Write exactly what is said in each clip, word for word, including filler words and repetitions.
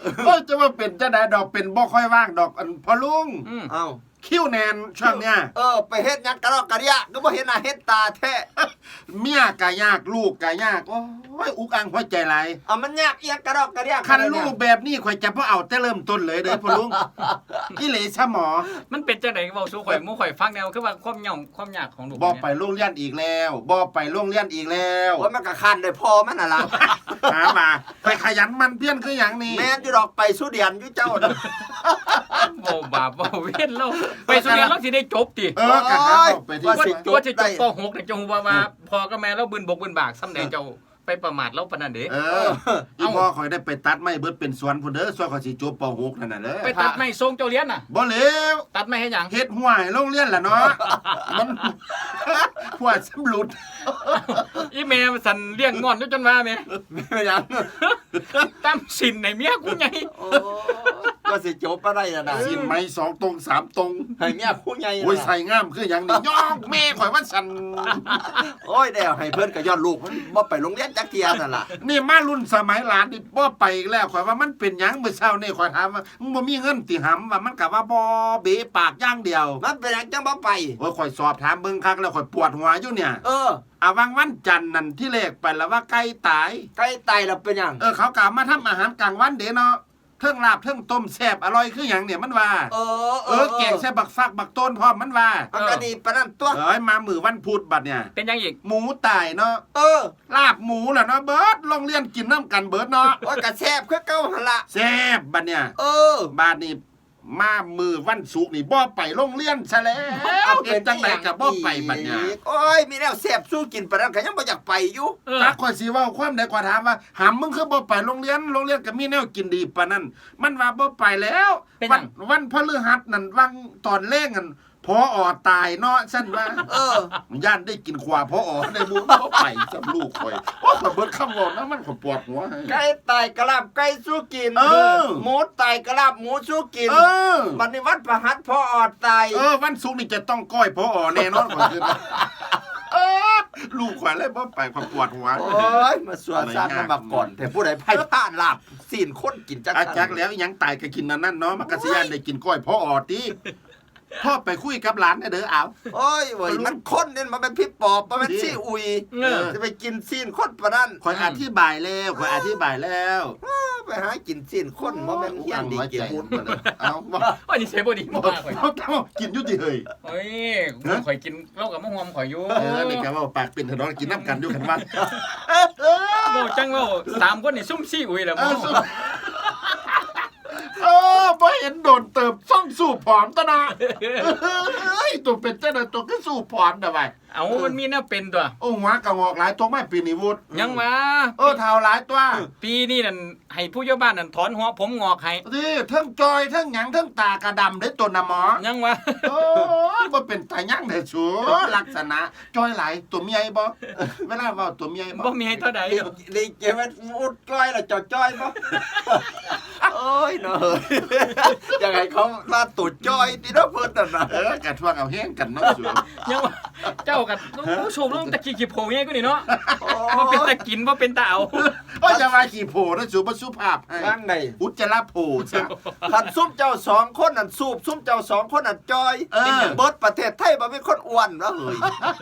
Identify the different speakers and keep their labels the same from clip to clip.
Speaker 1: โอ้จะว่าเป็นจะได้ดอกเป็นบ่ค่อยว่างดอกอันพอลุง
Speaker 2: เอ้า
Speaker 1: คิ้วแนนช่วงเนี้ย
Speaker 2: เออไปเฮ็ดหยังกะรอกกะเดียก็บ่เห็นหน้าเฮ็ดตาแท้
Speaker 1: เมียกะยากลูกกะยากโอ้ยอุกอังหัวใจหลาย
Speaker 2: อ่ะมันยากอีหยังกะรอกกะเดีย
Speaker 1: คันลูกแบบนี้ข่อยจะบ่เอาแต่เริ่มต้นเลยเด้อพ่อลุงอีหลีซะหมอ
Speaker 3: มันเป็นจังได๋เว้าสู่ข่อยหมู่ข่อยฟังแนวคือว่าความย่องความยากของลูก
Speaker 1: บ่ไปโรงเรียนอีกแล้วบ่ไปโรงเรียนอีกแล้ว
Speaker 2: ว่ามันก็คันได้พอมันน่ะล่ะ
Speaker 1: หามาไปขยันมันเพี้ยนคือหยังนี่
Speaker 2: แม่นอยู่ดอกไปสุเดียนอยู่เจ้าน่ะ
Speaker 3: บ่บาปบ่เว้นเราไปสุเรียนเราสิได้จบติ
Speaker 1: เออกะหาไปที่ว่า
Speaker 3: ว่าสิจบป.หก นี่จงว่าว่าพ่อกับแม่เราบืนบกบืนบากซ้ำใดเจ้าไปประมาทเราปานนั้นเด้
Speaker 1: เอออีพ่อข่อยได้ไปตัดไม้เบิดเป็นสวนพุ่นเด้อส่วนข่อยสิจบป.หก นั่นน่ะเด้อ
Speaker 3: ไปตัดไม้ส่งเจ้าเรียนน่ะ
Speaker 1: บ่แล้ว
Speaker 3: ตัดไม้เฮ็ดหยัง
Speaker 1: เฮ็ดห้วยโรงเรียนล่ะเนาะมันหัวสำรุด
Speaker 3: อีแม่สั่นเลี้ยงงอนอยู่จนว่าแม่
Speaker 2: หยัง
Speaker 3: ตามสินให้เมียกูใหญ่
Speaker 2: โอ้ก็สิจบบ่ได้น่ะนะ
Speaker 1: สินไม้สองตรงสามตรง
Speaker 2: ให้เมียผู้ใหญ่
Speaker 1: โอ้ยใส่งามคือหยังนี่ย่องแม่ข่อยว่าสั่น
Speaker 2: โอ้ยแล้วให้เพิ่นก็ย้อนลูกมันบ่ไปโรงเรียนจักเที่ยนั่นล่ะ
Speaker 1: นี่มารุ่นสมัยหลานนี่บ่ไปอีกแล้วข่อยว่ามันเป็นหยังมื้อเช้านี่ข่อยถามว่ามึงบ่มีเงินติหำว่ามันก็ว่าบ่เบะปากอย่างเดียว
Speaker 2: มันเป็นหยังจังบ่ไป
Speaker 1: โอ้ยข่อยสอบถามเบิ่งคักแล้วข่อยปวดหัวอยู่เนี่ย
Speaker 2: เออ
Speaker 1: อ่ะวังวันจันทร์นั่นที่เลขไปแล้วว่าไก่ตาย
Speaker 2: ไก่ตายแล้วเป็นหยัง
Speaker 1: เออเขากล่าวมาทำอาหารกลางวันเด้เนาะเทิงลาบเทิงต้มแซ่บอร่อยคือหยังเนี่ยมันว่า
Speaker 2: เออ
Speaker 1: เออแกงใส่บักฟักบักต้นพร้อมมันว่า
Speaker 2: มันก็ดีปานนั้นตัว
Speaker 1: เอ้ยมามื้อวันพุธบัดเนี่ย
Speaker 3: เป็นยังอีก
Speaker 1: หมูตายเนาะ
Speaker 2: เออ
Speaker 1: ลาบหมูล่ะเนาะเบิดโรงเรียนกินน้ำกันเบิดเนาะ
Speaker 2: โอ้ยก็แซ่บคือเก่าหั่นล่ะ
Speaker 1: แซ่บบัดเนี่ย
Speaker 2: เออ
Speaker 1: บัดนี้มามือวันศุกร์นี่บ่ไปโรงเรียนซะแล้วเฮ็ดจังได๋ก็บ่ไปบัดเนี่ย
Speaker 2: โอ้ยมีแนวแซ่บสู้กินปานนั้นก็ยังบ่อยากไปอยู่
Speaker 1: จักข่อยสิเว้าความใดก็ถามว่าหำมึงคือบ่ไปโรงเรียนโรงเรียนก็มีแนวกินดีปานนั้นมันว่าบ่ไปแล้ววันวันพฤหัสนั่นวังตอนแลงนั่นพออตายเนาะซั่นว่า
Speaker 2: เอ
Speaker 1: อย่านได้กินขวาพออในหมู่บ่ไปสำลูกข่อยโอ้ข่อยเบิดคำเว้านะมันข่อยปวดหัว
Speaker 2: ไก่ตายกะลาบไก่สู้กิน
Speaker 1: เออ
Speaker 2: หมูตายกะลาบหมูสู้กิน
Speaker 1: เออ
Speaker 2: บัดนี้วันพฤหัสพออตาย
Speaker 1: เออวันศุกร์นี่จะต้องก้อยพออแน่นอนข่อยคือเออลูกข่อยเลยบ่ไปข่อยปวดหัว
Speaker 2: โอ้ยมาสวนซานมาก่อนแต่ผู้ใดไผพลาดลาบซีนคนกินจัก
Speaker 1: อาจักแล้วยังตายก็กินนั่นนั่นเนาะมันก็สิย่านได้กินก้อยพออติพ่อไปคุยกับหลานเด้อเอา
Speaker 2: โอ้ยเว้ยมันคนเนี่ยมันเป็นพี่ปอบมันเป็นซี่อุยจะไปกินซีนคนปานนั้น
Speaker 1: ข่อยอธิบายแล้วข่อยอธิบายแล้ว
Speaker 2: ไปหากินซีนคนบ่แม่นเฮียนดีกินบุญ
Speaker 1: เอาบ่
Speaker 3: ว่านี่ใช่บ่ดีบ่มากข่อย
Speaker 1: เอากินอยู่ติเฮ้ย
Speaker 3: เฮ้ยข่อยกินเหล้ากับมะฮวมข่อยอยู่
Speaker 1: เออนี่ก็ว่าปากเป็นถนนกินน้ำกันอยู่กันว่า
Speaker 3: บ่จังเว้าสามคนนี่ซุ่มซี่อุยแล้วบ่
Speaker 1: เออบ่เห็นโดนเติบซ่องสู่ผอมตะนะเฮ้ยตัวเป็นจังได๋ตัวคือสู่ผอมดะไว้
Speaker 3: เอ้ามันมีแนวเป็นตัว
Speaker 1: โอ้หัวกะงอกหลายตัวไม่ปีนี้วุฒ
Speaker 3: ยังว่า
Speaker 1: เออเฒ่าหลายตัว
Speaker 3: ปีนี้นั่นให้ผู้ใหญ่บ้านนั่นถอนหัวผมงอกให้
Speaker 1: สิเทิงจอยเทิงหยังเทิงตากระดำได้ตัวน่ะหมอ
Speaker 3: ยังว่า
Speaker 1: โอ้ยบ่เป็นตายังได้สูลักษณะจอยหลายตัวเมียบ่เวลาเว้าตัวเมียบ่
Speaker 3: บ่มีให้เท่าใด
Speaker 2: นี่เก็บไว้อุดจ้อยแล้วจอจ้อยบ่โอ้ยเนาะยังไงเขามาตุดจ้อยติเนาะเพิ่นนั่นน่ะ
Speaker 1: เออกะทวงเอาแฮงกันเนาะสู
Speaker 3: ยังว่าเจ้ากันโอ้โชมลงตะกี้ขี้โผใหญ่กว่านี่เนาะบ่เป็นตะกินบ่เป็นตาเอา
Speaker 1: โอ้ยจะว่าขี้โผนะสูบ่สุภาพ
Speaker 2: นั่นได
Speaker 1: อุจจาระโผซะ
Speaker 2: คันซุ่มเจ้าสองคนนั่นสูบซุ่มเจ้าสองคนนั่นจ้อยเบิดประเทศไทยบ่มีคนอ้วนแล้วเฮ้ย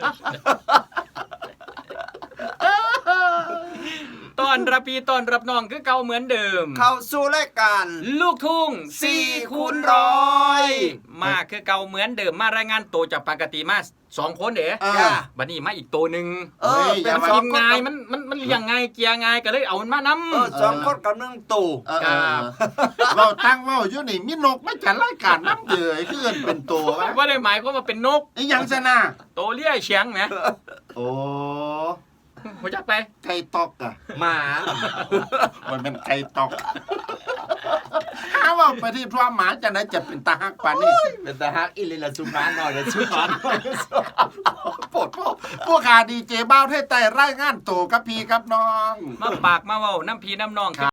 Speaker 3: ตอนรับพี่ตอนรับน้องคือเก่าเหมือนเดิม
Speaker 2: เข้าสู่รายการ
Speaker 3: ลูกทุ่งสี่คูณร้อยมาคือเก่าเหมือนเดิมมารายงานตัวจากปกติมาสองคนเด้บัดนี้มาอีกตัวนึง
Speaker 2: เออ
Speaker 3: เป็นสองง่ายมันมันมันเลี้ยงง่ายเกียร์ง่ายก็เลยเอามันมานำ
Speaker 2: เออสองคนกับหนึ่งตัว
Speaker 1: ครับเว้าตั้งเว้าอยู่นี่มีนกมาจัดรายการนำเด้อคือเอิ้นเป็นตัวว่า
Speaker 3: บ่ได้หมายความว่าเป็นนก
Speaker 1: อีหยังซะนะ
Speaker 3: ตัวเลี้ยเฉียงแหม
Speaker 1: โอ้
Speaker 3: รู้จักไป
Speaker 1: ไก่ตอกอ่ะ
Speaker 2: หมา
Speaker 1: มันเป็นไก่ตอกหาว่าไปที่พระหมาจะไหนจะเป็นตาฮักปานนี้
Speaker 2: เป็นตาฮักอีหลีละสุมาหน่อยละสุมาหน่อย
Speaker 1: ปวดพวกพวกขาดีเจบ้าวไทยใต้รายงานตัวกับพี่กับน้อง
Speaker 3: มาปากมาเว้าน้ำพี่น้ำน้อง